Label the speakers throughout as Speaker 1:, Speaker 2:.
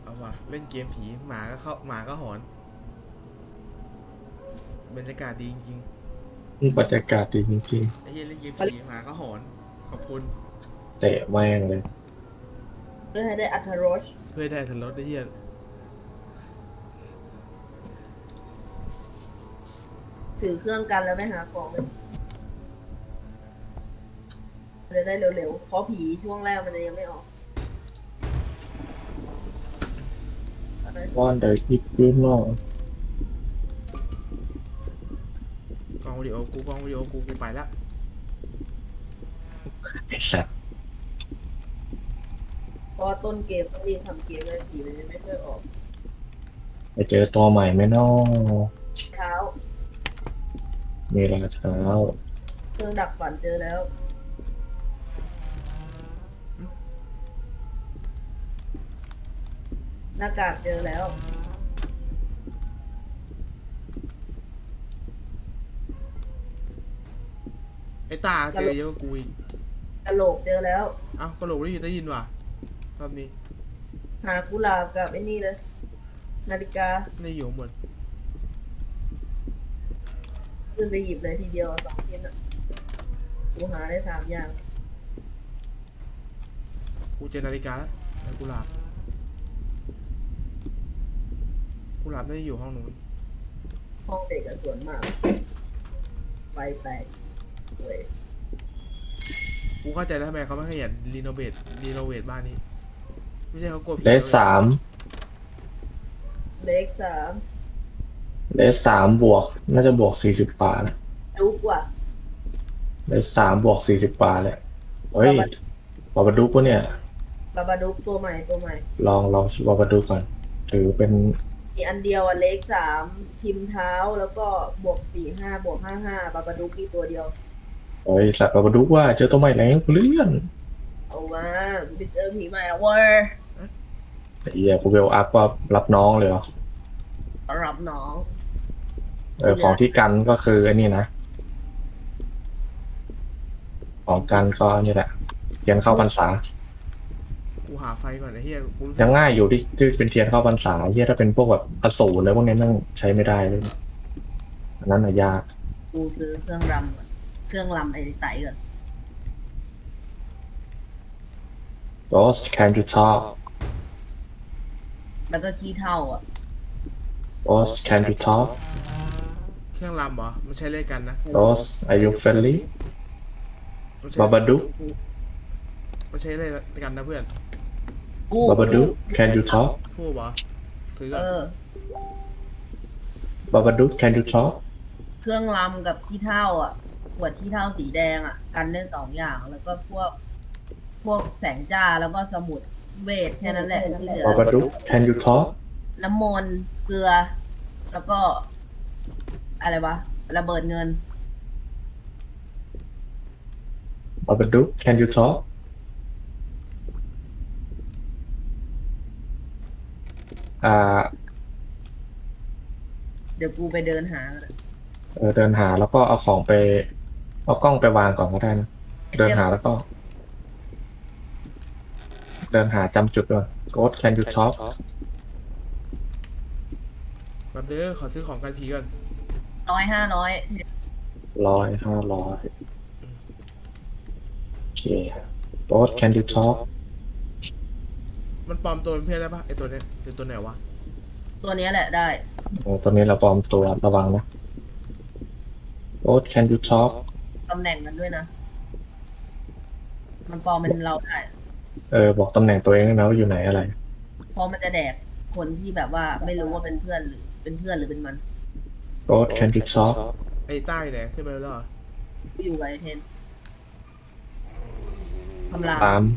Speaker 1: เอาว่ะเล่นเกมผีหมาก็เข้าหมาก็หอนบรรยากาศดีจริง
Speaker 2: บรรยากาศดีจริง
Speaker 1: ๆไอ้เหี้ยเล่นเกมผีหมาก็หอนขอบคุณ
Speaker 2: ๆเตะแม่งเลย
Speaker 3: เพื่อให้ได้อรรถรส
Speaker 1: เพื่อได้ทันรถไอ้เหี้ย
Speaker 3: ถือเครื่องกันแล้วไปหาของมันจะได้เร็วๆเพราะผีช่วงแรกมันจะยังไม่ออก
Speaker 2: ว่านเดอคิดยูโน่
Speaker 1: กล้องวิดีโอกูกล้องวิดีโอกูไปละ
Speaker 2: ไอ้สัตว์
Speaker 3: เพราะว่าต้นเกมต้องรีบทำเกมเลยผีมันจะไม่ค่อยออก
Speaker 2: ไปเจอตัวใหม่ไหมน้อ
Speaker 3: เท้า
Speaker 2: มีรอยเท้า
Speaker 3: เครื่องดักฝันเจอแล้วหน้ากากเจอแล้ว
Speaker 1: ไอ้ตาเจอเยอะกว่ากูอีก
Speaker 3: กระโหลกเจอแล้ว
Speaker 1: เอ้ากระโหลกได้ยินว่ะรอบนี้
Speaker 3: หากุหลาบกับไอ้นี่เลยนาฬิกา
Speaker 1: ไม่อยู่ข้างบน
Speaker 3: ขึ้นไปหยิบเลยทีเดียว2 ชิ้นอ่ะกูหาได้3 อย่าง
Speaker 1: กูเจอนาฬิกาแล้วแต่กุหลาบไม่ได้อยู่ห้องนู้น
Speaker 3: ห้องเด็กกับสวนมากไฟแตกเว้ย
Speaker 1: กูเข้าใจแล้วทำไมเขาไม่ขยันรีโนเวทบ้านนี้ไม่ใช่เขากลัวผี
Speaker 2: เลส
Speaker 1: แล้ว
Speaker 2: สาม
Speaker 3: เล็ก3
Speaker 2: เลสสามบวกน่าจะบวก40 กว่านะ
Speaker 3: ดุกว่ะ
Speaker 2: เลสสามบวก40 กว่าเลยเฮ้ย
Speaker 3: บาบา
Speaker 2: บาบาดุกปะเนี่ย
Speaker 3: บาดุกตัวใหม่
Speaker 2: ลองบาบาดุกก่อนถือเป็น
Speaker 3: มีอันเดียวอ่ะเล็ก3พิมพ์เท้าแล้วก็บวก 45 บวก 55บาบาดุกมีตัวเดียว
Speaker 2: เฮ้ยสัตว์บาบาดุกว่าเจอตัวใหม่แล้วเลื่อน
Speaker 3: เอามาไปเจอผีใหม่แล้วเว้ย
Speaker 2: ไอ้เหี้ยกูเวลอัพว่ารับน้องเลยเหรอ
Speaker 3: รับน้อง
Speaker 2: ของที่กันก็คือไอ้นี่นะของกันก็นี่แหละเทียนเข้าพรรษา
Speaker 1: กูหาไฟก่อนไอ้เหี้ยกูรู้สึก
Speaker 2: ยังง่ายอยู่ที่เป็นเทียนเข้าพรรษาเฮียถ้าเป็นพวกแบบอสูรแล้วพวกนี้นั่งใช้ไม่ได้เลยอันนั้นน่ะยาก
Speaker 3: กูซื้อเครื่องรำก่อนเครื่องรำไอ้ไต่ก่อน
Speaker 2: Ghost can you talk
Speaker 3: แล้วก็ขี้เท่าอ่ะ
Speaker 2: Ghost can you talk
Speaker 1: เครื่องรำเหรอมันใช้เลขกันนะ
Speaker 2: Ghost are you friendly
Speaker 1: มันใช้
Speaker 2: Babadook
Speaker 1: มันใช้เลขกันนะเพื่อน
Speaker 2: Babadook can you talk
Speaker 1: ทูบเหรอซื้อ
Speaker 3: เอ
Speaker 1: ก่อน
Speaker 3: อ
Speaker 2: Babadook can you talk
Speaker 3: เครื่องรำกับขี้เถ้าอ่ะขวดขี้เถ้าสีแดงอ่ะกันได้2 อย่างแล้วก็พวกแสงจ้าแล้วก็สมุดเวทแค่นั้นแหละที่เหลือ
Speaker 2: Babadook can you talk
Speaker 3: น้ำมนต์เกลือ แล้วก็อะไรวะระเบิดเงิน
Speaker 2: Babadook can you talk อ่า
Speaker 3: เดี๋ยวกูไปเดินหา
Speaker 2: เดินหาแล้วก็เอาของไปเอากล้องไปวางก่อนก็ได้นะเดินหาแล้วก็เดินหาจำจุดด้วย Ghost can you talk
Speaker 1: แบบเด้อขอซื้อของกันผีก่อน
Speaker 3: 500
Speaker 2: 100 500โอเค Ghost can you talk
Speaker 1: มันปลอมตัวเป็นเพื่อนได้ปะไอตัวเนี้ยหรือตัวไหนวะ
Speaker 3: ตัวนี้แหละได้
Speaker 2: ตอนนี้เราปลอมตัวระวังนะ Ghost can you talk
Speaker 3: ตำแหน่งกันด้วยนะ มันปลอมเป็นเราได้
Speaker 2: บอกตำแหน่งตัวเองนะว่าอยู่ไหนอะไร
Speaker 3: เพราะมันจะแดกคนที่แบบว่าไม่รู้ว่าเป็นเพื่อนหรือเป็นมัน
Speaker 2: Ghost can you talk
Speaker 1: ไอใต้เนี่ยขึ้นไปแล้วเหรอ
Speaker 3: อยู่กับไอเทนคำราม
Speaker 2: 3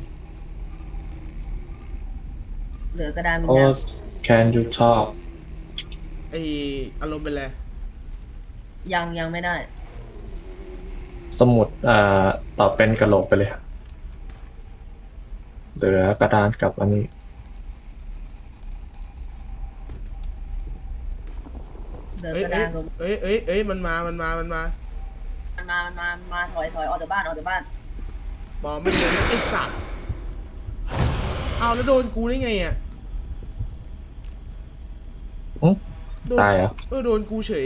Speaker 3: เหลือกระดานวิญญาณ
Speaker 2: Ghost can you talk
Speaker 1: ไออารมณ์เป็นไร
Speaker 3: ยังไม่ได้
Speaker 2: สมุดตอบเป็นกระโหลกไปเลยเหลือกระดานกับอันนี้
Speaker 3: เหลือ
Speaker 1: เอ้ย
Speaker 3: กระดานกับ
Speaker 1: มันมา
Speaker 3: มันมาถอยออกจากบ้าน
Speaker 1: บอกไม่เลยไอสัตว์เอาแล้วโดนกูได้ไงอ่ะโดน
Speaker 2: ตายเหรอ
Speaker 1: โดนกูเฉย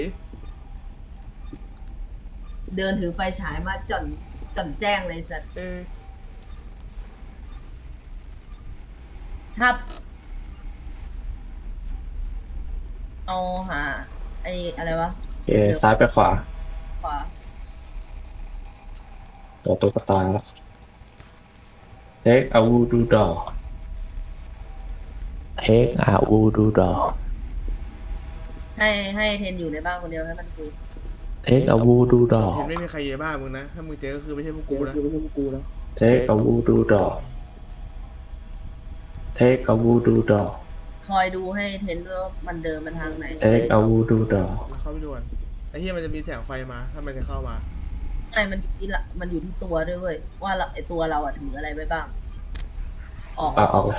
Speaker 3: เดินถือไฟฉายมาจ่อนแจ้งเลยสัตว์ถ้าเอาหาไอ้อะไรวะ
Speaker 2: โอเคซ้ายไปขวา
Speaker 3: ขวา
Speaker 2: ตัวตุ๊กตาแล้ว Take a voodoo doll Take a voodoo doll
Speaker 3: ให้เทนอยู่ในบ้านคนเดียวให้มันคุย
Speaker 2: Take a voodoo
Speaker 1: เห็น
Speaker 2: doll
Speaker 1: ไม่มีใครเยอะบ้ามึงนะ ถ้ามึงเจอก็คือไม่ใช่พวกกูนะ
Speaker 2: Take a voodoo doll Take a voodoo doll
Speaker 3: คอยดูให้เทนด้วยว่ามันเดินมาทางไหน
Speaker 2: Take a voodoo doll
Speaker 1: แล้วเข้าไปด่วนไอ้เหี้ยมันจะมีแสงไฟมาถ้ามันจะเข้ามา
Speaker 3: ไม่มันอยู่ที่ละมันอยู่ที่ตัวด้วยเว้ยว่าเราไอตัวเราอะถืออะไรไว้บ้าง ออก
Speaker 2: เอาเลย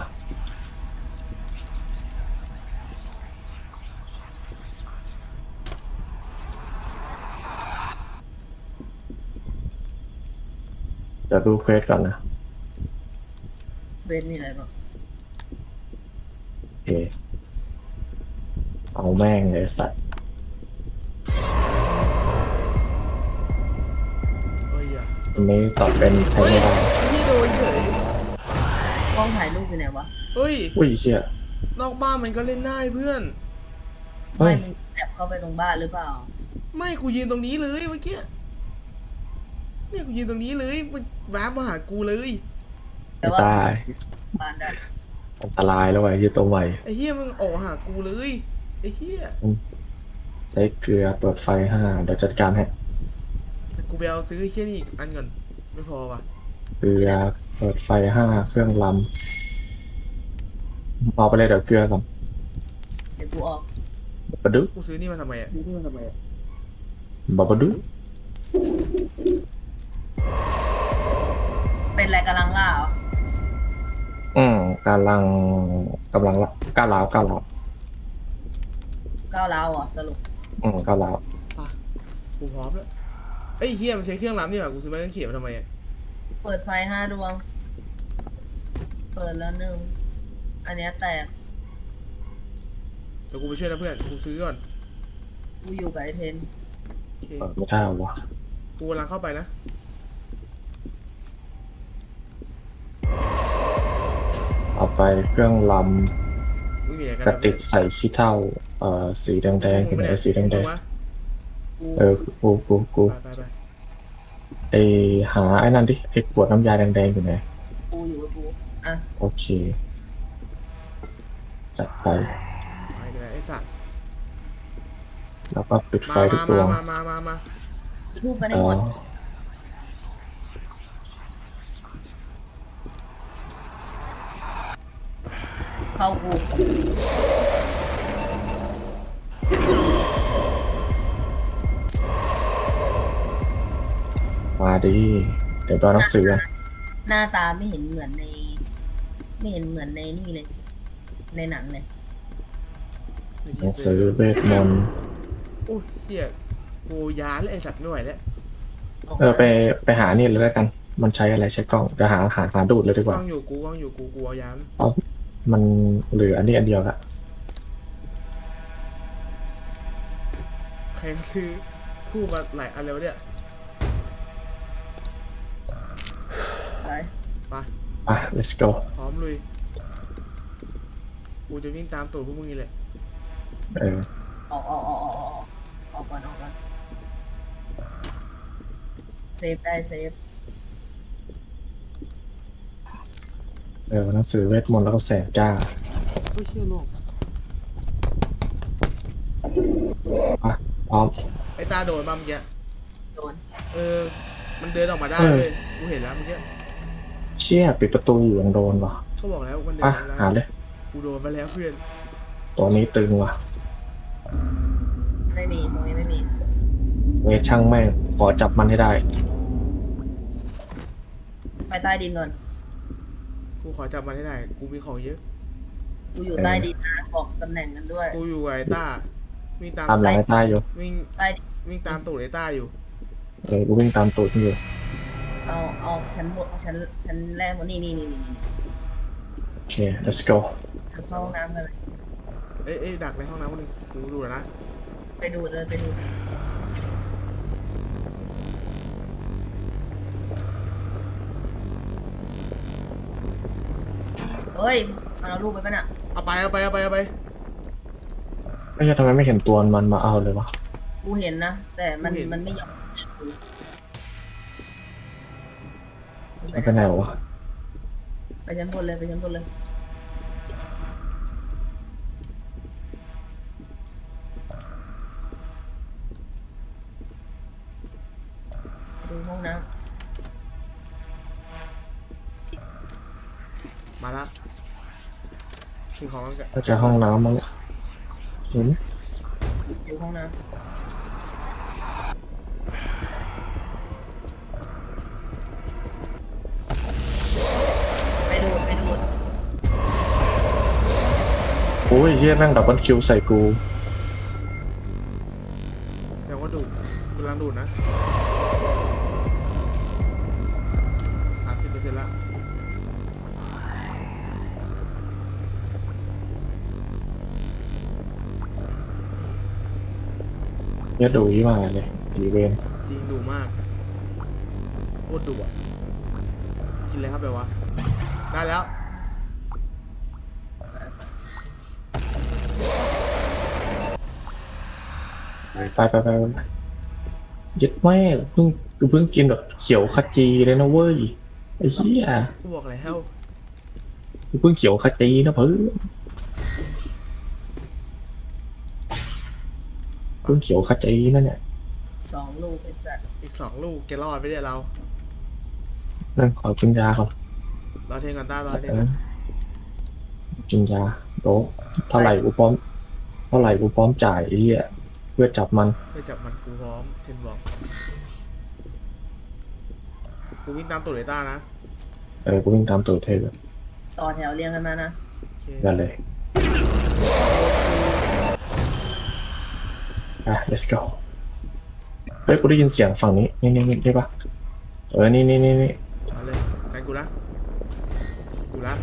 Speaker 2: เดี๋ยวดูเควสก่อนนะ
Speaker 3: เวทมีอะไรบ้าง
Speaker 2: โอเค เอาแม่งเลยสัตว์
Speaker 1: เอ้ยอ่ะ
Speaker 2: อันนี้ตอบเป็นใช้ไม่ได้
Speaker 1: พี่โดนเฉย
Speaker 3: กล้องถ่ายรูปอยู่ไหนวะ
Speaker 1: เฮ้ย
Speaker 2: อุ้ยเชี่ย
Speaker 1: นอกบ้านมันก็เล่นได้เพื่อน
Speaker 2: เฮ้
Speaker 3: ไม่
Speaker 2: ย
Speaker 3: มึงแอบเข้าไปตรงบ้านหรือเปล่า
Speaker 1: ไม่กูยืนตรงนี้เลยเมื่อกี้เนี่ยกูยืนตรงนี้เลยมันวาร์ปมาหากูเลย
Speaker 3: แต่ว่า
Speaker 2: ตาย
Speaker 3: บ้านได้
Speaker 2: อันตรายแล้วไอ้ยี่ตัวใหม่
Speaker 1: ไอ้เหี้ยมึงออกหากูเลยไอ้เหี้ย
Speaker 2: ใช้เกลือเปิดไฟ5เดี๋ยวจัดการให้
Speaker 1: กูไปเอาซื้อไอ้เหี้ยนี่อีกอันก่อนไม่พอว่ะ
Speaker 2: เกลือเปิดไฟ5เครื่องลำเอาไปเลยเดี๋ยวเกลือก่อน
Speaker 3: เดี๋ยวกูออก
Speaker 2: บะดุ
Speaker 1: กูซื้อนี่มาทำไมอ่ะ
Speaker 2: บะดุ
Speaker 3: เป็นอะไรกำลังล่าเหรอ
Speaker 2: กำลังละก้าวร้าว
Speaker 3: ก้าวร้าวเหรอสรุป
Speaker 2: ก้าวร้าว
Speaker 1: ป่ะกูพร้อมแล้วไอ้เหี้ยมันใช้เครื่องรำนี่หว่ากูซื้อไม้กางเขนมาทำไมอ่ะ
Speaker 3: เปิดไฟ5 ดวง เปิดแล้ว1อันเนี้ยแตก
Speaker 1: เดี๋ยวกูไปช่วยนะเพื่อนกูซื้อก่อน
Speaker 3: กูอยู่กับไอเทน
Speaker 1: โอเค
Speaker 2: เปิดไม่ได้วะ
Speaker 1: กูกำลังเข้าไปนะ
Speaker 2: เอาไปเครื่องล
Speaker 1: มึงอยู่ไหนกัน
Speaker 2: ำกระติกใส่ขี้เถ้าสีแดงๆอยู่ไหนสีแดง
Speaker 1: กู
Speaker 2: กู
Speaker 1: ไป
Speaker 2: ไอหาไอ้นั่นดิไอขวดน้ำยาแดงๆอยู่ไหน
Speaker 3: กูอยู่กับกูอ่ะ
Speaker 2: โอเคจัดไป
Speaker 1: ไปเลยไอ้สัตว์
Speaker 2: แล้วก็ปิดไฟ
Speaker 1: มา
Speaker 2: ทุกดวง
Speaker 1: มา
Speaker 3: จุดทูบกันให้หมด เข้ากู
Speaker 2: มาดิเดี๋ยวตอนหนังสือกัน
Speaker 3: หน้าตาไม่เห็นเหมือนใน ไม่เห็นเหมือนในนี่เลย ในหนังเลย
Speaker 2: หนังสือเวทมนต์
Speaker 1: โอ้ยเหี้ยกูยาแล้วไอ้สัตว์ไม่ไหวแล้ว
Speaker 2: ไปหานี่เลยแล้วกัน มันใช้อะไรใช้กล้องจะหาดูดเลยดีก
Speaker 1: กล้
Speaker 2: ว่า
Speaker 1: องอยู่กูเอายาม
Speaker 2: เพราะมันเหลืออันนี้อันเดียวละ
Speaker 1: ใครซื้อทูบมาหลายอันแล้วเนี่ย
Speaker 3: ไป
Speaker 1: ไป
Speaker 2: อ่ะ let's go
Speaker 1: พร้อมลุยกูจะวิ่งตามตูดพวกมึงนี่แหละ
Speaker 2: เออ
Speaker 3: ออกก่อนเซฟได้เซฟ
Speaker 2: หนังสือเวทมนต์แล้วก็แสงจ้า
Speaker 1: โอ้ยเชี่ยโลก
Speaker 2: อ่ะพร้อม
Speaker 1: ไอ้ตาโดนมาเมื่อกี้
Speaker 3: โดน
Speaker 1: มันเดินออกมาได้เลยกูเห็นแล้วเมื่อกี้
Speaker 2: เชี่ยปิดประตูอยู่ยังโดนว่ะ
Speaker 1: เขาบอกแล้วมันเดิน
Speaker 2: อ่ะ
Speaker 1: ออกมา
Speaker 2: หา
Speaker 1: ได้
Speaker 2: เลย
Speaker 1: กูโดนมาแล้วเพื่อน
Speaker 2: ตัวนี้ตึงว่ะ
Speaker 3: ไม่มีตรงนี้ไม่มี
Speaker 2: เวทช่างแม่งขอจับมันให้ได้
Speaker 3: ไปใต้ดินก่อน
Speaker 1: กูขอจับมันให้ได้กูมีของเยอะ
Speaker 3: กูอยู่ใต้ดินนะบอกตำแหน่งกันด้วย
Speaker 1: กูอยู่กับไอ้ต้าวิ่งตาม
Speaker 2: ตามหลังไอ้ต้าอยู่
Speaker 1: วิ่ง
Speaker 3: ใต้ดิน
Speaker 1: วิ่งตามตูดไอ้ต้าอยู่
Speaker 2: กูวิ่งตามตูดมันอยู่
Speaker 3: เอาชั้นบนชั้นแรกหมดนี่
Speaker 2: โอเค let's go
Speaker 3: ทางเข้าห้องน้ำกันเลย
Speaker 1: เอ้ยดักในห้องน้ำคนหนึงกูดูแล้วนะ
Speaker 3: ไปดูเลยไปดูเฮ้ยมันเอาลูกไปปะน่ะ
Speaker 1: เอาไป
Speaker 2: ไม่ใช่ทำไมไม่เห็นตัวมันมาเอาเลยวะ
Speaker 3: กูเห็นนะแต่มัน
Speaker 1: กูเห็น
Speaker 3: มันไม่ยอม
Speaker 2: มันไปไหนวะ
Speaker 3: ไปชั้นบนเลยไปชั้นบนเลยไปดูห้องน้
Speaker 1: มาละถึงของกัน
Speaker 2: ก็จะห้องน้ำมั้งเห็น
Speaker 3: ำดูห้องน้ำไปดูไปดู
Speaker 2: โอ้ยเฮียแม่งดับเบิลคิวใส่กู
Speaker 1: แสดงว่าดูดกำลังดูดนะ30%ละ
Speaker 2: เฮียดูยี่มาเลยอีเวน
Speaker 1: จริงดูมากโคตรดุอ่ะกินเลยครับแบบว่าได้แล้ว
Speaker 2: ไปยึดแม่กูเพิ่งกินแบบเขียวขจีเลยนะเว้ยไอ้เหี้ย
Speaker 1: กูบอกแล้ว
Speaker 2: กูเพิ่งเขียวขจีนะเพิ่งเขียวขจีนั่นเนี่ย
Speaker 3: 2 ลูกไอ้สัตว์
Speaker 1: อีก2 ลูกแกรอดไปเนี่ยเรา
Speaker 2: นั่งขอกินยาก่อน
Speaker 1: รอเทงก่อนต้ารอเทง
Speaker 2: กินยาโดเท่าไหร่กูพร้อมจ่ายไอ้เหี้ยเพื่อจับมัน
Speaker 1: เพื่อจับมันกูพร้อมเทนบอกกูวิ่งตามตัวเลต้านะ
Speaker 2: กูวิ่งตามตัวเทพเลย
Speaker 3: ต่อแถวเรียงกันมานะ
Speaker 1: โอเค
Speaker 2: นั่นเลยlet's go เฮ้ยกูได้ยินเสียงฝั่งนี้นี่ใช่ปะนี่
Speaker 1: เอาเลยกันกูละกูละ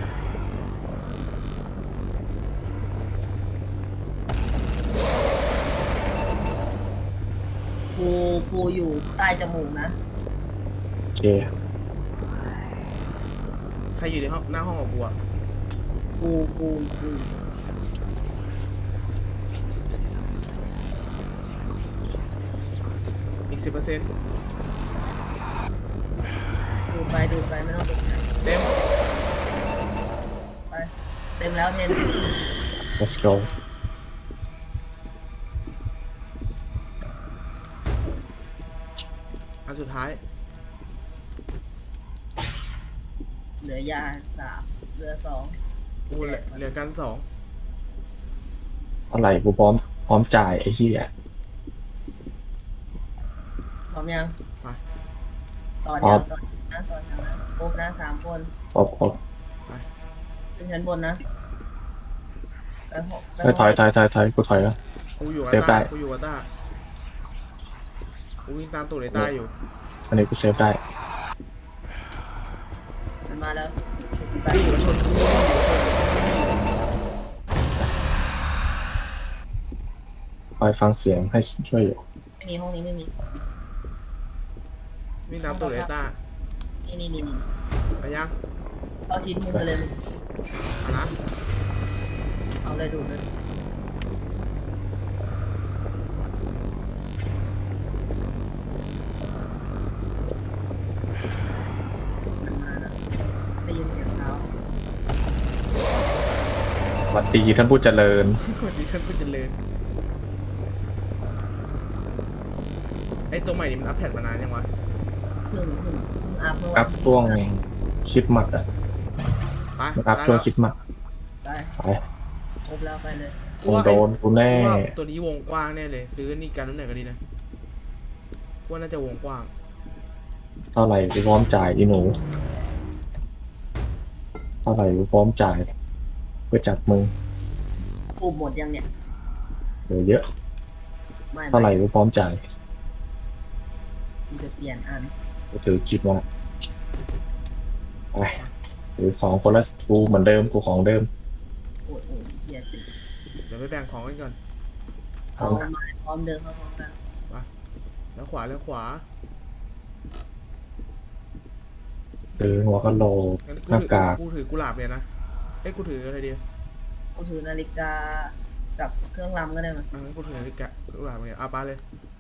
Speaker 3: กูอยู่ใต้จมูกนะ
Speaker 2: โอเค
Speaker 1: ใครอยู่ในห้องหน้าห้องของกูอ่ะ
Speaker 3: กู
Speaker 1: อีก 10%
Speaker 3: ดูไปไม่ต้องตกใจ
Speaker 1: เต็ม
Speaker 3: ไปเต็มแล้วเทน
Speaker 2: let's go
Speaker 1: อันสุดท้าย
Speaker 3: เหลือยา3เหลือ2
Speaker 1: กูเหลือกัน2
Speaker 2: เท่าไหร่กูพร้อมจ่ายไอ้เหี้ย
Speaker 3: พร้อมยัง
Speaker 1: ไป
Speaker 3: ต่อแถ
Speaker 2: พร้อ
Speaker 3: ว
Speaker 2: ม
Speaker 3: ต่อนะครบนะ3 คน
Speaker 2: พร้อม
Speaker 3: ขึ้นชั้นบนนะไปหกไป
Speaker 2: ถอยกูถอยแล้ว
Speaker 1: กูอยู่กับ
Speaker 2: เซฟได้
Speaker 1: ต้ากูวิ่งตามตัวเลต้าอยู่
Speaker 2: อันนี้กูเซฟได้
Speaker 3: มันมาแล้วไป
Speaker 1: วิ่งมาชนกู
Speaker 2: คอยฟังเสียงให้ช่วยอยู่
Speaker 3: ไม่มีห้องนี้ไม่มี
Speaker 1: วิ่งตามตัวเลต้า
Speaker 3: นี่
Speaker 1: ไปยัง
Speaker 3: เอาชิ้นมุมไปเลย
Speaker 1: เอานะ
Speaker 3: เอาเลยดูเลยมันมาแล้วได้ยินเสียงเท้า
Speaker 2: สวัสดีท่านผู้เจริญ
Speaker 1: กดดีขึ้นเพื่อเจริญไอ้ตัวใหม่นี่มันอัปเดตมานานยังวะ
Speaker 3: เพิ่งอัพเมื่อ
Speaker 2: อั
Speaker 3: วัน
Speaker 2: พ
Speaker 3: ที่
Speaker 2: ช่วงคิดหมัดอ่ะ
Speaker 1: ไป
Speaker 2: มันอัพช่วงคิดหมัด
Speaker 3: ไป
Speaker 2: ไป
Speaker 3: ครบแล้วไปเลย
Speaker 2: มึงโดนกูแน่
Speaker 1: กูว่าตัวนี้วงกว้างแน่เลย ซื้อนี่กันนู้นไหนก็ดีนะกูว่าน่าจะวงกว้าง
Speaker 2: เท่าไหร่กูพร้อมจ่ายอีหนูเท่าไหร่กูพร้อมจ่ายเพื่อจับมึง
Speaker 3: กูหมดยังเนี่ย
Speaker 2: เหลือเยอะ
Speaker 3: ไม่
Speaker 2: เท่าไหร่กูพร้อมจ่าย
Speaker 3: กูจะเปลี่ยนอัน
Speaker 2: กูถือคิดมาไปหรือ2 คนละกูเหมือนเดิมกูของเดิม
Speaker 3: โอ้ยเกียร์ติด
Speaker 1: เดี๋ยวไปแบ่งของกันก่อน
Speaker 3: เอาไม้พร้อมเดินเข้าพร้อมกัน
Speaker 1: แล้วขวาแล้วขวา
Speaker 2: หัวกะโหลก
Speaker 1: งั้น
Speaker 2: หน้ากาก
Speaker 1: กูถือกุหลาบเลยนะเอ้ยกูถืออะไรดี
Speaker 3: กูถือนาฬิกากับเครื่องรำก็ได้มั้ย
Speaker 1: งั้นกูถือนาฬิกากุหลาบเลยเอาไปเลย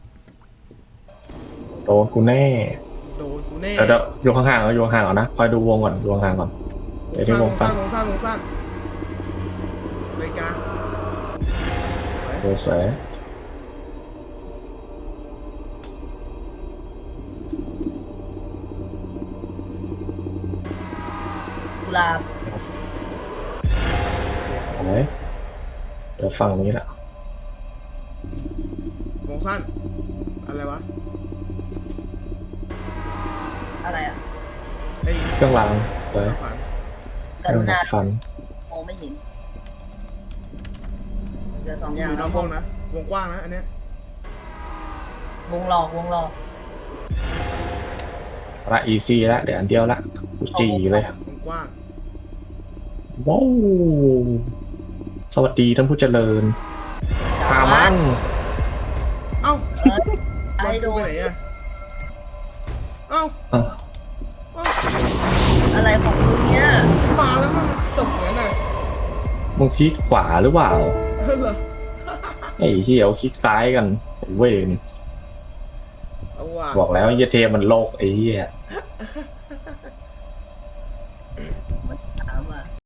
Speaker 2: โดนกูแน่
Speaker 1: โดนกูแน่
Speaker 2: เดี๋ยวอยู่ห่างๆเอาอยู่ห่างๆก่อนนะคอยดูวงก่อนดูห่างๆก่อนเดี๋ยวที่วงสั้น
Speaker 1: วงสั้นนาฬิกาไว้
Speaker 2: เดี๋ยวสวย
Speaker 3: กุหลาบ
Speaker 2: เอาไหมเดี๋ยวฝั่งนี้แหละ
Speaker 1: วงสั้นอะไรวะ
Speaker 3: อะไรอ่ะ
Speaker 1: ไอ้ย
Speaker 2: เครื่องรางสวย
Speaker 1: ฝัน
Speaker 3: กรุณา
Speaker 2: ฟัน
Speaker 3: มองไม่เห็นเหลือสอง
Speaker 1: อ
Speaker 3: อย่าง
Speaker 1: ยู่นอกวงนะวงกว้างนะอันเนี้ยว
Speaker 3: งหลอกวงหลอก
Speaker 2: ละอีซี่ละเดี๋ยวอันเดียวละกูจีเลยว
Speaker 1: งกว้าง
Speaker 2: ว้าวสวัสดีท่านผู้เจริญพามัน
Speaker 1: เอ้า
Speaker 3: ไอ้โด
Speaker 1: บอลกู
Speaker 3: น
Speaker 1: ไปไหนอะเอ้า
Speaker 2: อ่ะ
Speaker 1: เอ้า
Speaker 3: อะไรของมึงเนี่ย
Speaker 1: มาแล้วมันตกอย่างนั้นน่ะ
Speaker 2: มึงคลิกขวาหรือเปล่า
Speaker 1: เหรอ
Speaker 2: ไอ้ที่เอาคลิกซ้ายกันเว้ย
Speaker 1: เอาว่ะ
Speaker 2: บอกแล้วไอ้เหี้ยเทมันโลกไอ้เหี้ย